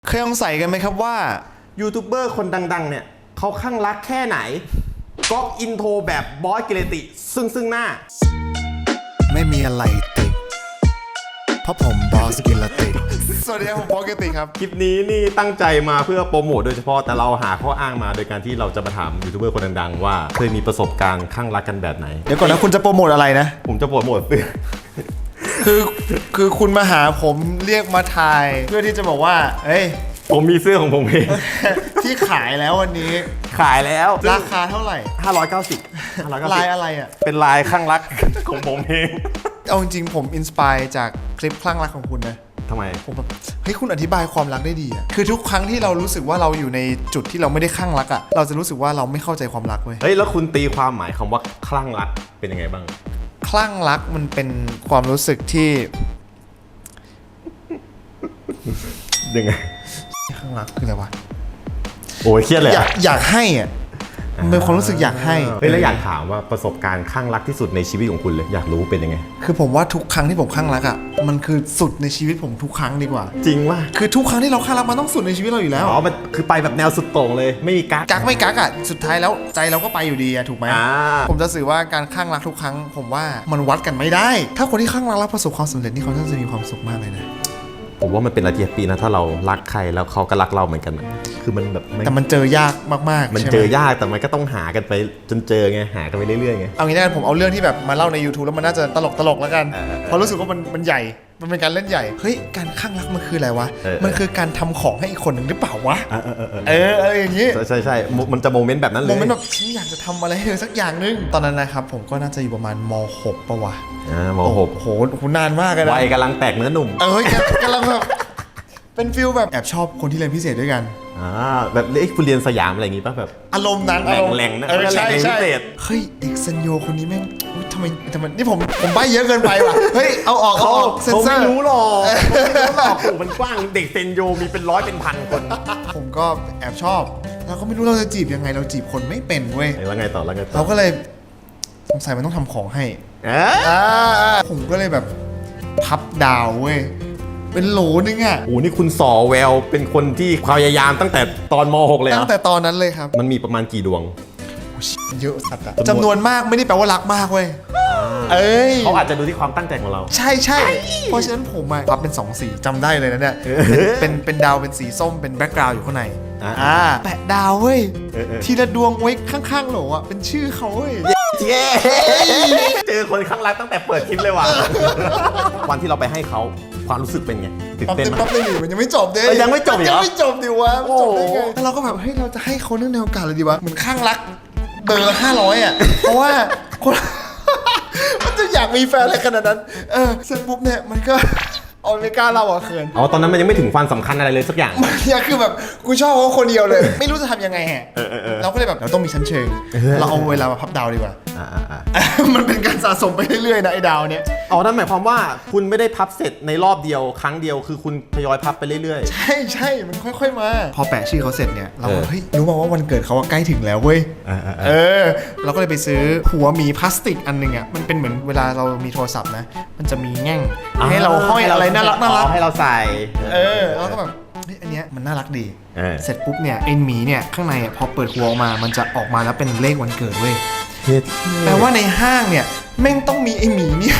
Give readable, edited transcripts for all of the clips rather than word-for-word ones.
เคยสงสัยกันไหมครับว่ายูทูบเบอร์คนดังๆเนี่ยเขาคลั่งรักแค่ไหนก๊อปอินโทรแบบบอสกิรติซึ่งหน้าไม่มีอะไรติดเพราะผมบอสกิรติสวัสดีครับผมบอสกิรติครับคลิปนี้นี่ตั้งใจมาเพื่อโปรโมทโดยเฉพาะแต่เราหาข้ออ้างมาโดยการที่เราจะมาถามยูทูบเบอร์คนดังๆว่าเคยมีประสบการณ์คลั่งรักกันแบบไหนเดี๋ยวก่อนนะคุณจะโปรโมทอะไรนะผมจะโปรโมทเสื้อคือคุณมาหาผมเรียกมาถ่ายเพื่อที่จะบอกว่าเฮ้ยผมมีเสื้อของผมเองที่ขายแล้ววันนี้ขายแล้วราคาเท่าไหร่ 590 ลายอะไรอ่ะเป็นลายคลั่งรักของผมเองเอาจริงๆผมอินสปายจากคลิปคลั่งรักของคุณนะทำไมผมแบบเฮ้ยคุณอธิบายความรักได้ดีอ่ะคือทุกครั้งที่เรารู้สึกว่าเราอยู่ในจุดที่เราไม่ได้คลั่งรักอ่ะเราจะรู้สึกว่าเราไม่เข้าใจความรักเว้ยเฮ้ยแล้วคุณตีความหมายคำว่าคลั่งรักเป็นยังไงบ้างคลั่งรักมันเป็นความรู้สึกที่ยังไงคลั่งรักคืออะไรวะโอ้ยเครียดเลยอยากให้อ่ะมันเป็นความรู้สึกอยากให้เฮ้ยแล้วอยากถามว่าประสบการณ์คลั่งรักที่สุดในชีวิตของคุณเลยอยากรู้เป็นยังไงคือผมว่าทุกครั้งที่ผมคลั่งรักอ่ะมันคือสุดในชีวิตผมทุกครั้งดีกว่าจริงว่าคือทุกครั้งที่เราคลั่งรักมันต้องสุดในชีวิตเราอยู่แล้วอ๋อมันคือไปแบบแนวสุดโต่งเลยไม่มีกักไม่กักอ่ะสุดท้ายแล้วใจเราก็ไปอยู่ดีอ่ะถูกไหมผมจะสื่อว่าการคลั่งรักทุกครั้งผมว่ามันวัดกันไม่ได้ถ้าคนที่คลั่งรักแล้วประสบความสำเร็จนี่เขาจะมีความสุขมากเลยนะผมว่ามันเป็นอะไรที่ปีนะถ้าเรารักใครแล้วเขาก็รักเราเหมือนกันคือมันแบบแต่มันเจอยากมากๆมันเจอยากแต่มันก็ต้องหากันไปจนเจอไงหากันไปเรื่อยๆไงเอางี้นะผมเอาเรื่องที่แบบมาเล่าใน YouTube แล้วมันน่าจะตลกแล้วกันเพราะรู้สึกว่ามันใหญ่มันเป็นการเล่นใหญ่เฮ้ยการคลั่งรักมันคืออะไรวะมันคือการทำของให้อีกคนหนึ่งหรือเปล่าวะอะไรอย่างนี้ใช่มันจะโมเมนต์แบบนั้นเลยโมเมนต์แบบฉันอยากจะทำอะไรให้เธอสักอย่างนึงตอนนั้นนะครับผมก็น่าจะอยู่ประมาณม.6 ป่ะวะม.6 โหนานมากเลยนะวัยกำลังแตกเนื้อหนุ่มกำลังแบบเป็นฟิลแบบแอบชอบคนที่เรียนพิเศษด้วยกันแบบคุณเรียนสยามอะไรอย่างงี้ป่ะแบบอารมณ์นั้นแหล่งนะใช่พิเศษเฮ้ยเอกซันโยคนนี้แม่งทำไมนี่ผมใบ้เยอะเกินไปว่ะเฮ้ยเอาออกเซนเซอร์ไม่รู้หรอกมันกว้างเด็กเซนโยมีเป็นร้อยเป็นพันคนผมก็แอบชอบเราก็ไม่รู้เราจะจีบยังไงเราจีบคนไม่เป็นเว้ยแล้วไงต่อเราก็เลยสงสัยมันต้องทำของให้ผมก็เลยแบบพับดาวเว้ยเป็นโหลนึงอ่ะโอ้นี่คุณสอแววเป็นคนที่พยายามตั้งแต่ตอนม.6 เลยตั้งแต่ตอนนั้นเลยครับมันมีประมาณกี่ดวงเยอะสัตว์อะจำนวนมากไม่ได้แปลว่ารักมากเว้ยเขาอาจจะดูที่ความตั้งใจของเราใช่เพราะฉะนั้นผมพับเป็น2สีจำได้เลยนะเนี่ยเป็นดาวเป็นสีส้มเป็นแบ็คกราวด์อยู่ข้างในแปะดาวเว้ยทีละดวงไว้ข้างๆโหลอ่ะเป็นชื่อเขาเว้ยเจอคนข้างรักตั้งแต่เปิดคลิปเลยว่ะวันที่เราไปให้เขาความรู้สึกเป็นไงตื่นเต้นมั้ยมันยังไม่จบเด้ยังไม่จบเหรอยังไม่จบดิวะจบได้ไงแล้วเราก็แบบเฮ้ยเราจะให้เขาเรื่องแนวการเลยดีวะเหมือนข้างรักเบอร์500อ่ะเพราะว่าคนมันจะอยากมีแฟนอะไรขนาดนั้นเสร็จปุ๊บเนี่ยมันก็เอาไม่กล้าเล่าเขินตอนนั้นมันยังไม่ถึงความสำคัญอะไรเลยสักอย่างมันคือแบบกูชอบเขาคนเดียวเลยไม่รู้จะทำยังไงฮะเราก็เลยแบบเราต้องมีชั้นเชิงเราเอาเวลามาพับดาวดีกว่ามันเป็นการสะสมไปเรื่อยๆนะไอ้ดาวเนี่ยนั่นหมายความว่าคุณไม่ได้พับเสร็จในรอบเดียวครั้งเดียวคือคุณทยอยพับไปเรื่อยๆใช่มันค่อยๆมาพอแปะชื่อเขาเสร็จเนี่ยเราเฮ้ยรู้มาว่าวันเกิดเขาใกล้ถึงแล้วเว้ยเราก็เลยไปซื้อหัวหมีพลาสติกอันนึงอ่ะมันเป็นเหมือนเวลาเรามีโทรศัพท์นะมันจะมีแง่งให้เราห้อยอะไรน่ารักให้เราใส่แล้วก็แบบอันเนี้ยมันน่ารักดีเสร็จปุ๊บเนี่ยไอ้หมีเนี่ยข้างในพอเปิดหัวออกมามันจะออกมาแล้วเป็นเลขวันเกิดเว้ยแปลว่าในห้างเนี่ยแม่งต้องมีไอ้หมีเนี่ย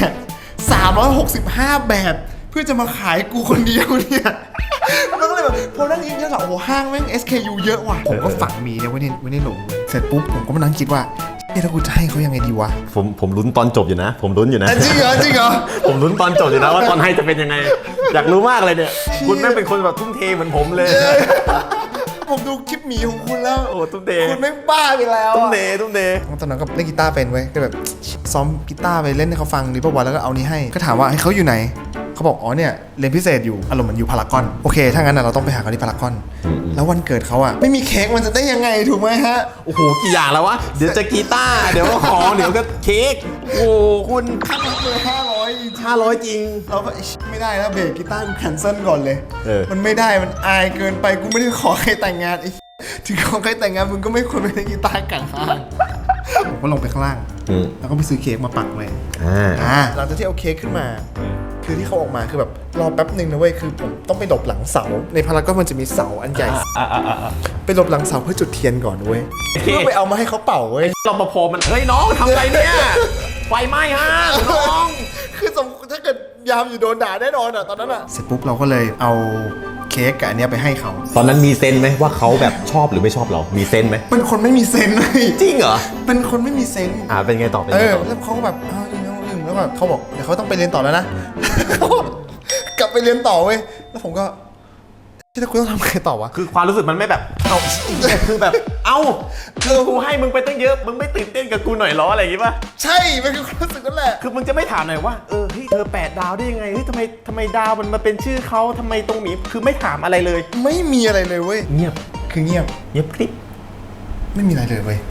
365แบบเพื่อจะมาขายกูคนเดียวเนี่ยแล้วก็เลยแบบพอนั่งคิดแล้วโอ้โหห้างแม่ง SKU เยอะว่ะผมก็ฝังหมีเนี่ยไว้ในหลุมเสร็จปุ๊บผมก็มานั่งคิดว่าถ้ากูจะให้เขายังไงดีวะผมลุ้นตอนจบอยู่นะผมลุ้นอยู่นะจริงเหรอผมลุ้นตอนจบอยู่นะว่าตอนให้จะเป็นยังไงอยากรู้มากเลยเนี่ยคุณแม่งเป็นคนแบบทุ่มเทเหมือนผมเลยผมดูคลิปหมีของคุณแล้วทุ่มเทคุณไม่บ้าไปแล้วทุ่มเทตอนนั้นก็เล่นกีตาร์เป็นเว้ยก็แบบซ้อมกีตาร์ไปเล่นให้เขาฟังดีป่ะวะแล้วก็เอานี้ให้ก็ถามว่าให้เขาอยู่ไหนเขาบอกเนี่ยเรียนพิเศษอยู่อารมณ์เหมือนอยู่พารากอนโอเคถ้างั้นเราต้องไปหาเขาที่พารากอนแล้ววันเกิดเขาไม่มีเค้กมันจะได้ยังไงถูกไหมฮะโอ้โหกี่อย่างแล้ววะเดี๋ยวจะกีตาร์เดี๋ยวก็ของเดี๋ยวก็เค้กโอ้คุณค่าเลย 500จริงเราก็ไม่ได้แล้วเบรกกีตาร์กูแคนเซิลก่อนเลยมันไม่ได้มันอายเกินไปกูไม่ได้ขอใครแต่งงานถึงขอใครแต่งงานมึงก็ไม่ควรไปเล่นกีตาร์กันข้างผมก็ลงไปข้างล่างแล้วก็ไปซื้อเค้กมาปักไว้หลังจากที่เอาเค้กขึ้นมาคือที่เขาออกมาคือแบบรอแป๊บหนึ่งนะเว้ยคือผมต้องไปหลบหลังเสาในพารากอนมันจะมีเสาอันใหญ่ไปหลบหลังเสาเพื่อจุดเทียนก่อนเว้ยเพื่อไปเอามาให้เขาเป่าเว้ยรปภมันเฮ้ยน้องทำอะไรเนี่ยไฟไหม้ฮะน้องคือสมมติถ้าเกิดยามอยู่โดนด่าแน่นอนอ่ะตอนนั้นอ่ะเสร็จปุ๊บเราก็เลยเอาเค้กกับอันเนี้ยไปให้เขาตอนนั้นมีเซนไหมว่าเขาแบบชอบหรือไม่ชอบเรามีเซนไหมเป็นคนไม่มีเซนส์เลยจริงเหรอเป็นคนไม่มีเซนส์เป็นไงต่อเป็นเอไงอต่อแล้วเขาก็แบบแล้วแบบเขาบอกเดี๋ยวเขาต้องไปเรียนต่อแล้วนะ กลับไปเรียนต่อเว้ยแล้วผมก็ที่คุณต้องทำไงต่อวะคือความรู้สึกมันไม่แบบเอาคือแบบคือกูให้มึงไปตั้งเยอะมึงไม่ตื่นเต้นกับกูหน่อยล้ออะไรอย่างงี้ป่ะใช่มันคือความรู้สึกนั่นแหละคือมึงจะไม่ถามหน่อยว่าเฮ้ยเธอ8 ดาวได้ยังไงเฮ้ยทำไมดาวมันมาเป็นชื่อเขาทำไมตรงหมีคือไม่ถามอะไรเลยไม่มีอะไรเลยเว้ยเงียบคือเงียบคลิปไม่มีอะไรเลยเว้ย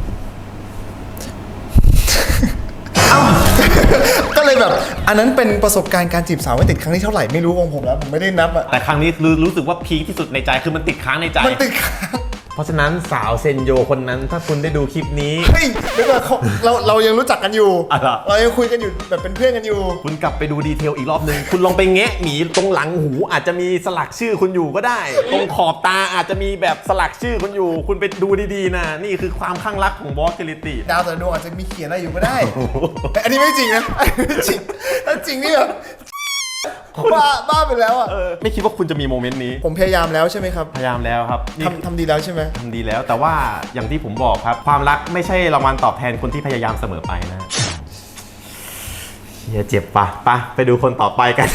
ก็เลยแบบอันนั้นเป็นประสบการณ์การจีบสาวไม่ติดครั้งที่เท่าไหร่ไม่รู้ของผมแล้วผมไม่ได้นับอะแต่ครั้งนี้รู้สึกว่าพีคที่สุดในใจคือมันติดค้างในใจมันติดค้างเพราะฉะนั้นสาวเซนโยคนนั้นถ้าคุณได้ดูคลิปนี้เฮ้ยเดี๋ยวก่อนเรายังรู้จักกันอยู่อะไรเรายังคุยกันอยู่แบบเป็นเพื่อนกันอยู่คุณกลับไปดูดีเทลอีกรอบนึง คุณลองไปแงะหมีตรงหลังหูอาจจะมีสลักชื่อคุณอยู่ก็ได้ ตรงขอบตาอาจจะมีแบบสลักชื่อคุณอยู่ คุณไปดูดีๆนะนี่คือความข้างรักของบอสเกลิตี้ดาวแต่ละดวงอาจจะมีเขียนอะไรอยู่ก็ได้ อันนี้ไม่จริงนะอันนี้ไม่จริงถ้าจริงนี่แบบบ้าไปแล้วอ่ะไม่คิดว่าคุณจะมีโมเมนต์นี้ผมพยายามแล้วใช่ไหมครับพยายามแล้วครับนี่ทำดีแล้วใช่ไหมทำดีแล้วแต่ว่าอย่างที่ผมบอกครับ ความรักไม่ใช่รางวัลตอบแทนคนที่พยายามเสมอไปนะเฮียเจ็บปะไปดูคนต่อไปกัน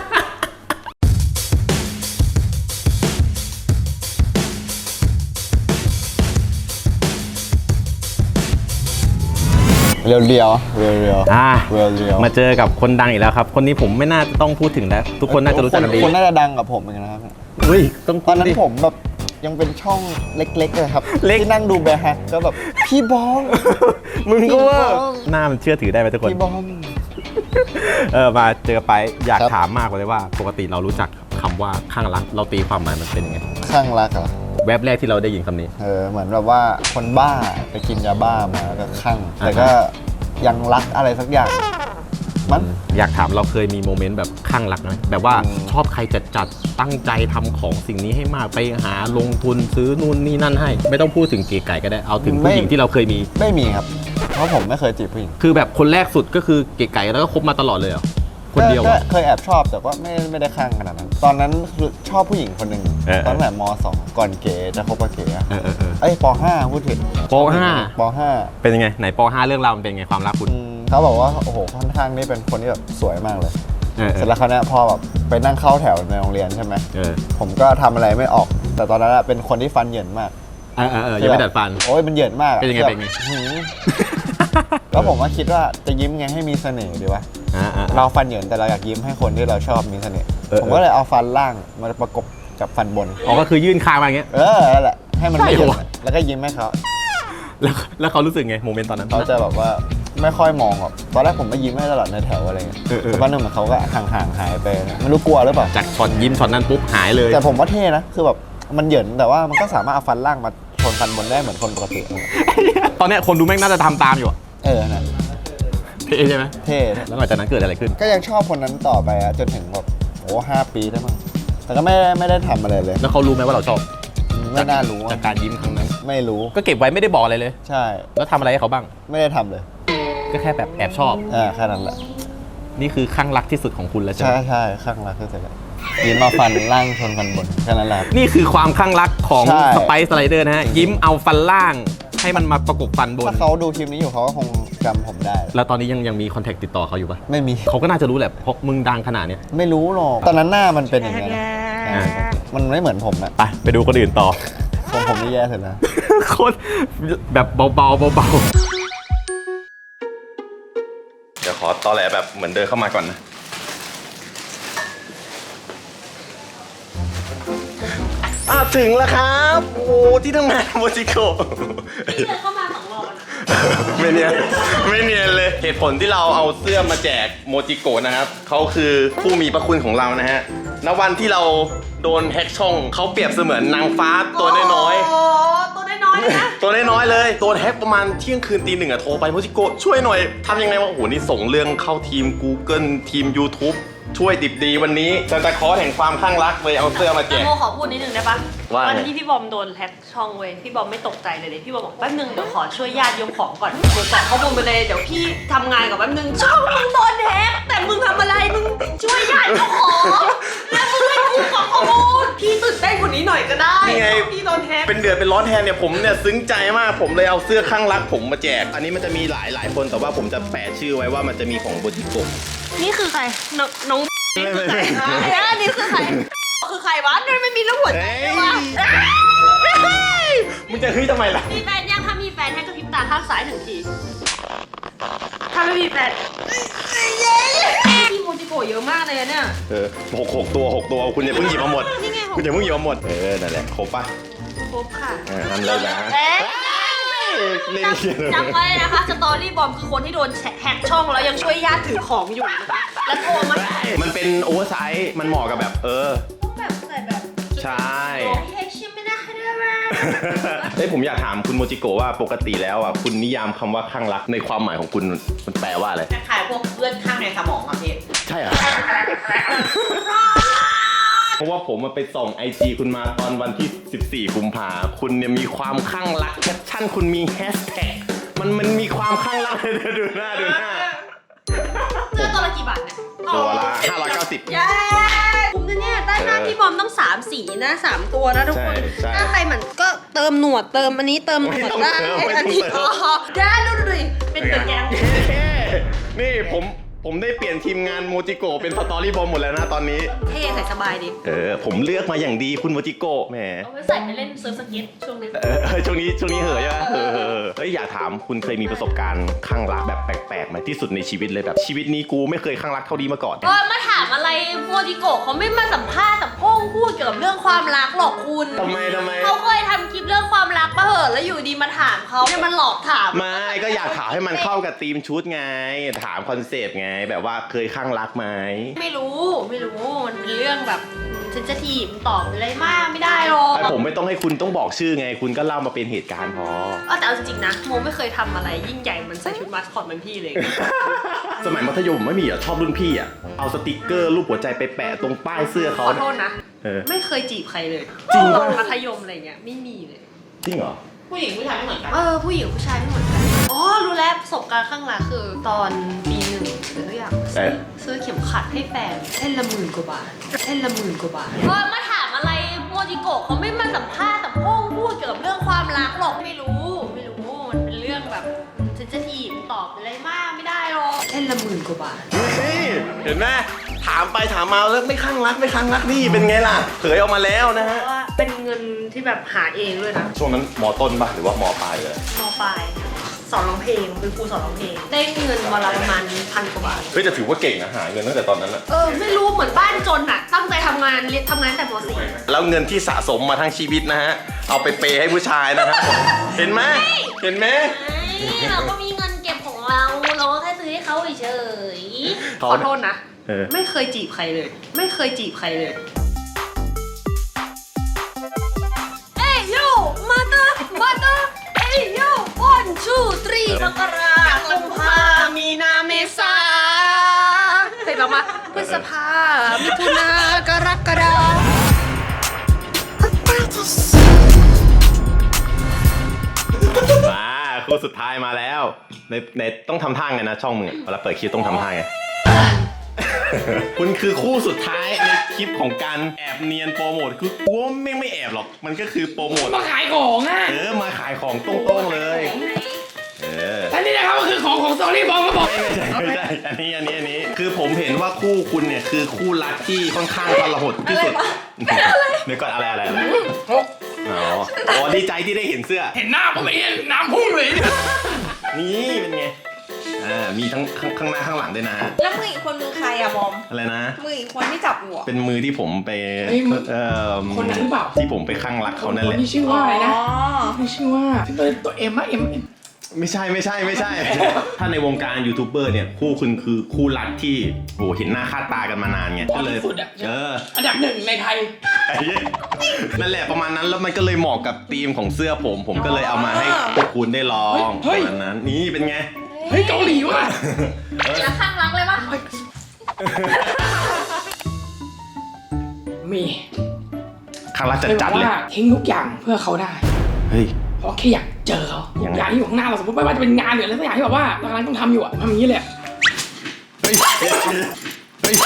เรียวเรียวมาเจอกับคนดังอีกแล้วครับ คนนี้ผมไม่น่าจะต้องพูดถึงแล้ว ทุกคนน่าจะรู้จักกันดีคนน่าจะดังกับผมเหมือนกันนะครับอุ้ยต้องตอนนั้นดิผมแบบยังเป็นช่องเล็กๆเลยครับเล็กที่นั่งดูแบร์แฮกก็แบบพี่บอมมึงก็ว่าพี่บอมหน้ามันเชื่อถือได้ไหมทุกคนพี่บอมมาเจอไปอยากครับถามมากเลยว่า ปกติเรารู้จักคำว่าข้างรักเราตีความหมายมันเป็นยังไงข้างรักเหรอแวบแรกที่เราได้ยินคำนี้เหมือนแบบว่าคนบ้าไปกินยาบ้ามาแล้วก็ข้างแต่ก็ยังรักอะไรสักอย่างมันอยากถามเราเคยมีโมเมนต์แบบข้างรักไหมแบบว่าชอบใครจัดตั้งใจทำของสิ่งนี้ให้มากไปหาลงทุนซื้อนู่นนี่นั่นให้ ไม่ต้องพูดถึงเก๋ไก่ก็ได้เอาถึงผู้หญิงที่เราเคยมีไม่มีครับ เพราะผมไม่เคยจีบผู้หญิงคือแบบคนแรกสุดก็คือเก๋ไก่แล้วก็คบมาตลอดเลยเหรอคนเดียวก็อะเคยแอบชอบแต่ว่าไม่ได้ข้างขนาดนั้น ตอนนั้นคือชอบผู้หญิงคนหนึ่ง ตอนแบบม.2 ก่อนเก๋จะคบกับเก๋อะ เอ้ยป.5 พูดถึงป.5 ป.5 เป็นยังไงไหนป .5 เรื่องราวมันเป็นยังไงความรักคุณเขาบอกว่าโอ้โหค่อนข้างนี่เป็นคนที่แบบสวยมากเลยเออเสร็จแล้วเขาวเนี้ยพอแบบไปนั่งเข้าแถวในโรงเรียนใช่ไหม ผมก็ทำอะไรไม่ออก แต่ตอนนั้นอะเป็นคนที่ฟันเหยินมากยังไม่ดัดฟันโอ้ยมันเหยินมากอะเป็นยังไงแบบเป็นไงหือแล้วผมก็คิดว่าจะยิ้มไงให้มีเสน่ห์ดีวะ เราฟันเหยินแต่เราอยากยิ้มให้คนที่เราชอบมีเสน่ห์ ผมก็เลยเอาฟันล่างมาประกบกับฟันบนอ๋อก็คือยื่นคางมาอย่างเงี้ยนั่นแหละให้มันไม่เหยินใช่เหรอแล้วก็ยิ้มให้เขาแล้วเขารู้สึกไงโมเมนต์ตอนนั้นเขาจะแบบว่าไม่ค่อยมองแบบตอนแรกผมก็ยิ้มให้ตลอดในแถวอะไรเงี้ย สักพักหนึ่งเหมือนเขาก็ห่างๆหายไปไม่รู้กลัวหรือเปล่าจากช็อตยิ้มช็อตนั้นปุ๊บหายเลยแต่ผมว่าเท่นะคือแบบมันเหยินแต่ว่ามันก็สามารถเอาฟันล่างมาชนฟันบนได้เหมือนคนปกติตอนเนี้ยคนดูแม่งน่าจะทำตามอยู่อะนะเท่ใช่ไหมเท่แล้วหลังจากนั้นเกิดอะไรขึ้นก็ยังชอบคนนั้นต่อไปอะจนถึงแบบ5 ปีได้มั้งแต่ก็ไม่ได้ทำอะไรเลยแล้วเขารู้ไหมว่าเราชอบไม่น่ารู้จากการยิ้มครั้งนั้นไม่รู้ก็เก็บไว้ไม่ได้บอกอะไรเลยใช่แล้วทำอะไรให้เขาบ้างไม่ได้ทำเลยก็แค่แบบแอบชอบแค่นั้นแหละนี่คือข้างรักที่สุดของคุณแล้วใช่ไหใช่มข้างรักที่สุดเลยยิ้มมาฟันล่างชนฟันบนแค่นั้นแหละนี่คือความข้างรักของใช่สไปซ์สไลเดอร์นะฮะ ยิ้มเอาฟันล่างให้มันมาประกบฟันบนถ้าเขาดูคลิปนี้อยู่เขาก็คงจำผมได้แล้วตอนนี้ยังมีคอนแทคติดต่อเขาอยู่ปะไม่มีเขาก็น่าจะรู้แหละเพราะมึงดังขนาดเนี้ยไม่รู้หรอกตอนนั้นหน้ามันเป็นอย่างนี้นะมันไม่เหมือนผมนะไปดูคนอื่นต่อผมนี่แย่สุดนะโคตรแบบเบาๆเบาๆเดี๋ยวขอตอแหลแบบเหมือนเดินเข้ามาก่อนนะถึงแล้วครับโอ้ที่ทำงานโมจิโกะเดินเข้ามา2 รอบนะไม่เนียนเลยเหตุผลที่เราเอาเสื้อมาแจกโมจิโกะนะครับเขาคือผู้มีพระคุณของเรานะฮะณวันที่เราโดนแฮกช่องเขาเปรียบเสมือนนางฟ้าตัวน้อยโอ้ตัวน้อยๆเลยนะๆตัวน้อยๆเลยโดนแฮกประมาณเที่ยงคืนตี 1อะโทรไปโมจิโกะช่วยหน่อยทำยังไงวะโอ้โหนี่ส่งเรื่องเข้าทีม Google ทีม YouTube ช่วยดิบดีวันนี้ซานตาคลอสแห่งความข้างรักเลยเอาเสื้อมาแจกโมขอพูดนิดนึงได้ปะว่าไงวันที่พี่บอมโดนแฮ็กช่องเว้ยพี่บอมไม่ตกใจเลยพี่บอมบอกแป๊บนึงเดี๋ยวขอช่วยญาติยกของก่อนกูกรอกข้อมูลไปเลยเดี๋ยวพี่ทำงานกับแป๊บนึงช่องมึงโดนแฮ็กแต่มึงทำอะไรมึงช่วยญาติยกของแล้วมึงให้กูกรอกข้อมูลพี่ตื่นเต้นกว่านี้หน่อยก็ได้นี่ไงพี่โดนแฮ็กเป็นเดือดเป็นร้อนแทนเนี่ยผมเนี่ยซึ้งใจมากผมเลยเอาเสื้อข้างรักผมมาแจก อันนี้มันจะมีหลายคนแต่ว่าผมจะแปะชื่อไว้ว่ามันจะมีของโบจิโกะนี่คือใครน้องนี่คือใครนี่คือใครคือใครวะนี่ไม่มีรูปหัวใจเลยวะมึงจะเฮ้ยทำไมล่ะมีแฟนยังถ้ามีแฟนให้กระพริบตาข้างซ้าย1 ทีถ้าไม่มีแฟนพี่โมจิโกะเยอะมากเลยเนี่ยหกตัวคุณอย่าเพิ่งหยิบมาหมดนี่ไงคุณอย่าเพิ่งหยิบมาหมดนั่นแหละครบปะครบค่ะทำเลยนะ เล่นเขียนจำไว้นะคะสตอรี่บอมคือคนที่โดนแฮกช่องแล้วยังช่วยญาติถือของอยู่นะคะแล้วโทรมามันเป็นโอเวอร์ไซส์มันเหมาะกับแบบแบบใส่แบบใช่เฮกชิมไม่ได้ได้ไหมเฮ้ยผมอยากถามคุณโมจิโกะว่าปกติแล้วอ่ะคุณนิยามคำว่าข้างรักในความหมายของคุณมันแปลว่าอะไรคล้ายๆพวกเลือดข้างในสมองอะพี่ใช่เหรอ เพราะว่าผมมาไปส่อง IG คุณมาตอนวันที่ 14 กุมภาคุณเนี่ยมีความข้างรักแคปชั่นคุณมีแฮชแท็กมันมีความข้างรักเลยดูหน้าเสื้อตัวละกี่บาทเนี่ยตัวละ590 เย้คุ้มนะเนี่ยได้หน้าพี่บอมต้อง3 สีนะ3 ตัวนะทุกคนใช่ถ้าใครเหมือนก็เติมหนวดเติมอันนี้เติมหนวดได้ไม่ต้องเติมอันนี้ได้ดูดิเป็นเดอะแกงนี่ผมได้เปลี่ยนทีมงานโมจิโกะเป็นสตอรี่บอมหมดแล้วนะตอนนี้เท่ใส่สบายดีผมเลือกมาอย่างดีคุณโมจิโกะแหมเอาไว้ใส่ไปเล่นเซิร์ฟสเก็ตช่วงนี้ช่วงนี้เหอะใช่ไหมเฮ้ยอยากถามคุณเคยมีประสบการณ์ข้างรักแบบแปลกๆไหมที่สุดในชีวิตเลยแบบชีวิตนี้กูไม่เคยข้างรักเท่านี้มาก่อนมาถามอะไรโมจิโกะเขาไม่มาสัมภาษณ์สัมพงพูดเกี่ยวกับเรื่องความรักหรอกคุณทำไมเขาเคยทำคลิปเรื่องความรักมาเหอะแล้วอยู่ดีมาถามเขาเนี่ยมันหลอกถามไม่ก็อยากถามให้มันเข้ากับธีมชุดไงถามคอนเซปต์ไงแบบว่าเคยข้างรักไหมไม่รู้มันเป็นเรื่องแบบฉันจะทีมตอบอะไรมากไม่ได้หรอกไอผมไม่ต้องให้คุณต้องบอกชื่อไง คุณก็เล่ามาเป็นเหตุการณ์พอแต่เอาจริงๆนะโมไม่เคยทำอะไรยิ่งใหญ่เหมันใส่ชุดมาสคอตเหมือนพี่เลยสมัยมัธยมไม่มีเหรอชอบรุ่นพี่อ่ะเอาสติกเกอร์รูปหัวใจไปแปะตรงป้ายเสื้อเขาขอโทษนะเออไม่เคยจีบใครเลยจริงตปะอนมัธยมอะไรเงี้ยไม่มีเลยจริงเหรอผู้หญิงผู้ชายไม่เหมือนกันผู้หญิงผู้ชายไม่เหมือนกันอ๋อรู้แล้วประสบการณ์ข้างหลังคือตอนปี1หรืออย่างซื้อเข็มขัดให้แฟนเส้นละ10,000 กว่าบาทมาถามอะไรโมจิโกะเขาไม่มาสัมภาษณ์สัมพงพูดเกี่ยวกับเรื่องความรักหรอกไม่รู้มันเป็นเรื่องแบบฉันจะทีมตอบอะไรมากไม่ได้หรอกเส้นละ10,000 กว่าบาทนี่เห็นไหมถามไปถามมาแล้วไม่ข้างรักนี่เป็นไงล่ะเผยออกมาแล้วนะฮะเพราะว่าเป็นเงินที่แบบหาเองด้วยนะช่วงนั้นมอต้นปะหรือว่ามอปลายเลยมปลายสอนร้องเพลงเป็นครูสอนร้องเพลงได้เงินวันละประมาณ1,000 กว่าบาทเฮ้ยแต่ถือว่าเก่งนะหาเงินตั้งแต่ตอนนั้นอะไม่รู้เหมือนบ้านจนอะตั้งใจทำงานเรียนทำงานแต่ม .4 แล้วเงินที่สะสมมาทั้งชีวิตนะฮะเอาไปเปย์ให้ผู้ชายนะฮะเห็นไหมเราก็มีเงินเก็บของเราก็แค่ซื้อให้เขาเฉยๆขอโทษนะ ไม่เคยจีบใครเลยเอ้ยโยมาเตอร์เอ้ยโย1 2 3มกราคมมีนาเมษาเคยบอกมาพฤษภามิถุนากรกฎาคู่สุดท้ายมาแล้วในต้องทำท่าไงนะช่องมึงเวลาเปิดคลิปต้องทำท่าไง คุณคือคู่สุดท้ายในคลิปของการแอบเนียนโปรโมทคือกูว่าไม่แอบหรอกมันก็คือโปรโมทมาขายของอ่ะมาขายของตรงๆเลยอันนี้นะครับก็คือของสตอรี่บอมครับผมไม่ใช่อันนี้คือผมเห็นว่าคู่คุณเนี่ยคือคู่รักที่ค่อนข้างทรหดที่สุดเดี๋ยวก่อนอะไรอ๋อดีใจที่ได้เห็นเสื้อเห็นหน้าผมเองน้ำพุ่งเลยนี่เป็นไงมีทั้งข้างหน้าข้างหลังด้วยนะแล้วมืออีกคนมือใครอะบอมอะไรนะมืออีกคนที่จับหัวเป็นมือที่ผมไปคนนั้นหรือเปล่าที่ผมไปข้างรักเขานั่นแหละที่ชื่อว่าอะไรนะอ๋อที่ชื่อว่าตัวเอ็มอะเอ็มไม่ใช่ ถ้าในวงการยูทูบเบอร์เนี่ยคู่คุณคือคู่รักที่โหเห็นหน้าค่าตากันมานานไงก็เลยสุดอะอันดับ1ในไทยนั่นแหละประมาณนั้นแล้วมันก็เลยเหมาะกับธีมของเสื้อผมก็เลยเอามาให้พวกคุณได้ลองประมาณนั้นนี่เป็นไงเฮ้ยเกาหลีว่ะแล้วข้างรักเลยปะมีข้างรักเคยบจัอดกๆเลยว่าทิ้งทุกอย่างเพื่อเขาได้เฮ้ยเพราะแค่อยากเจอเขายังไงอย่างที่อยู่ข้างหน้าเราสมมติไม่ว่าจะเป็นงานหรืออะไรสักอย่างที่แบบว่าเรากำลังต้องทำอยู่อะทำอย่างนี้เลยเฮ้ยเฮ้ย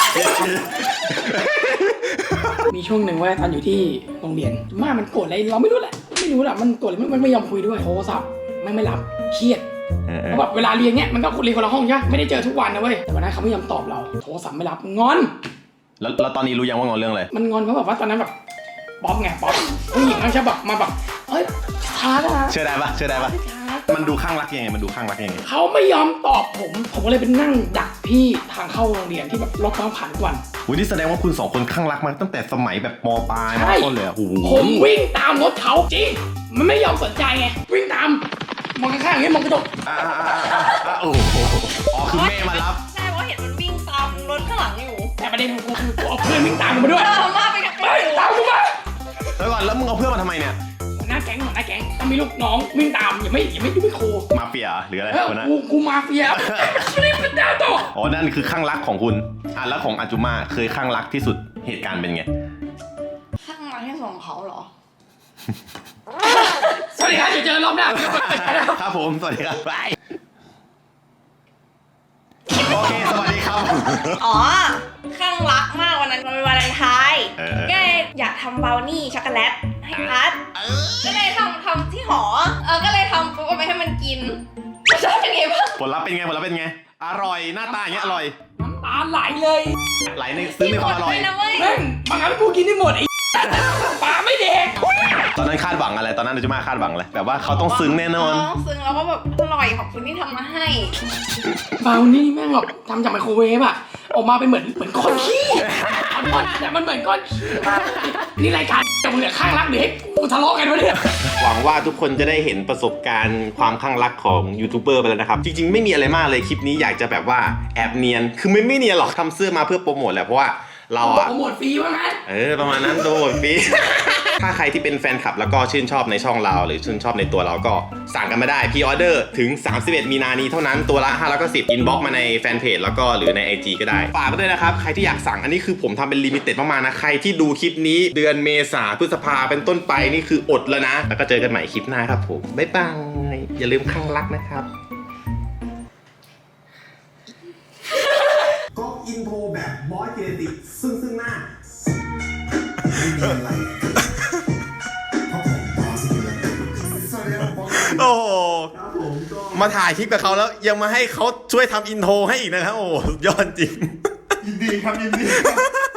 มีช่วงหนึ่งว่าตอนอยู่ที่โรงเรียนมามันโกรธอะไรเราไม่รู้แหละมันโกรธอะไรมันไม่ยอมคุยด้วยโทรศัพท์ไม่รับเครียดเพราะแบบเวลาเรียนเนี้ยมันก็เรียนคนละห้องใช่ไหมไม่ได้เจอทุกวันนะเว้ยแต่วันนั้นเขาไม่ยอมตอบเราโทรศัพท์ไม่รับงอนแล้วตอนนี้รู้ยังว่างอนเรื่องอะไรมันงอนเพราะแบบว่าตอนนั้นแบบป๊อปไงป๊อปผู้หญิงมันจะแบบมาแบบเฮ้ยช้านะเชื่อได้ปะมันดูข้างรักยังไงเขาไม่ยอมตอบผมก็เลยเป็นนั่งดักที่ทางเข้าโรงเรียนที่แบบรถต้องผ่านทุกวันวันนี้แสดงว่าคุณสองคนข้างรักมาตั้งแต่สมัยแบบม.ปลายม.ต้นเลยอ่ะโอ้โหผมวิ่งตามรถเขาจริงมันไม่ยอมสนใจไงวิ่งตามมองข้างๆอย่างเงี้ยมองกระจกโอ้โหอ๋อคือแม่มารับใช่เพราะเห็นมันวิ่งตามรถข้างหลังอยู่แต่ประเด็นของกูคือกูเอาเพื่อนวิ่งตามกูมาด้วยมาไปกับเฮ้ยตามกูมาแล้วมึงเอาเพื่อนมาทำไมเนี่ยหัวหน้าแก๊งต้องมีลูกน้องวิ่งตามอย่าไม่โคมาเฟียหรืออะไรเออคนนั้นกูมาเฟียรีบเป็นดาวโตอ๋อนั่นคือข้างรักของคุณแล้วของอาจุมาเคยข้างรักที่สุดเหตุการณ์เป็นไงข้างหลังที่ส่งเขาเหรอสวัสดีครับเจอรอบหน้าครับผมสวัสดีครับบายโอเคสวัสดีครับอ๋อ ข้างรักมากวันนั้นมันเป็นวาเลนไทน์ก็เลยอยากทำบราวนี่ช็อกโกแลตให้พัดก็เลยทำที่หอ ก็เลยทำปุ๊บเอาไปให้มันกินชอบเป็นไงบ้างผลลัพธ์เป็นไงอร่อยหน้าตาอย่างเงี้ยอร่อยน้ำตาไหลเลยไหลในซื้อในความอร่อยนะเว้ยแม่งบางครั้งกูกินได้หมดไอ้ปลาไม่เด็กตอนนั้นคาดหวังอะไรตอนนั้นอาจุมาคาดหวังอะไรแบบว่าเขาต้องซึ้งแน่นอนซึ้งแล้วก็แบบอร่อยขอบคุณที่ทำมาให้บราวนี่แม่งแบบทำจากไมโครเวฟอะออกมาเป็นเหมือนก้อนขี้แต่มันเหมือนก้อนขี้มากนี่รายการแต่มึงเนี่ยข้างรักเด็กกูทะเลาะกันวะเนี่ยหวังว่าทุกคนจะได้เห็นประสบการณ์ความข้างรักของยูทูบเบอร์ไปแล้วนะครับ จริงๆไม่มีอะไรมากเลยคลิปนี้อยากจะแบบว่าแอบเนียนคือไม่เนียนหรอกทำเสื้อมาเพื่อโปรโมทแหละเพราะว่าเราอะโปรโมทฟรีว่างั้นประมาณนั้นโปรโมทฟรี ถ้าใครที่เป็นแฟนคลับแล้วก็ชื่นชอบในช่องเราหรือชื่นชอบในตัวเราก็สั่งกันมาได้พรีออเดอร์ถึง31 มีนานี้เท่านั้นตัวละ510อินบ็อกมาในแฟนเพจแล้วก็หรือใน IG ก็ได้ฝากไว้ด้วยนะครับใครที่อยากสั่งอันนี้คือผมทำเป็นลิมิเต็ดมากๆนะใครที่ดูคลิปนี้เดือนเมษาพฤษภาเป็นต้นไปนี่คืออดแล้วนะแล้วก็เจอกันใหม่คลิปหน้าครับผมบ๊ายบายอย่าลืมข้างรักนะครับก็อินโทรแบบบอสเจเนติกซึ่งหน้าไม่มีอะไรเพราะผมบอสเจเนติกสวัสดีครับบอสโอ้โหครับผมก็มาถ่ายคลิปกับเขาแล้วยังมาให้เขาช่วยทำอินโทรให้อีกนะครับโอ้โหยอดจริงยินดีครับยินดีครับ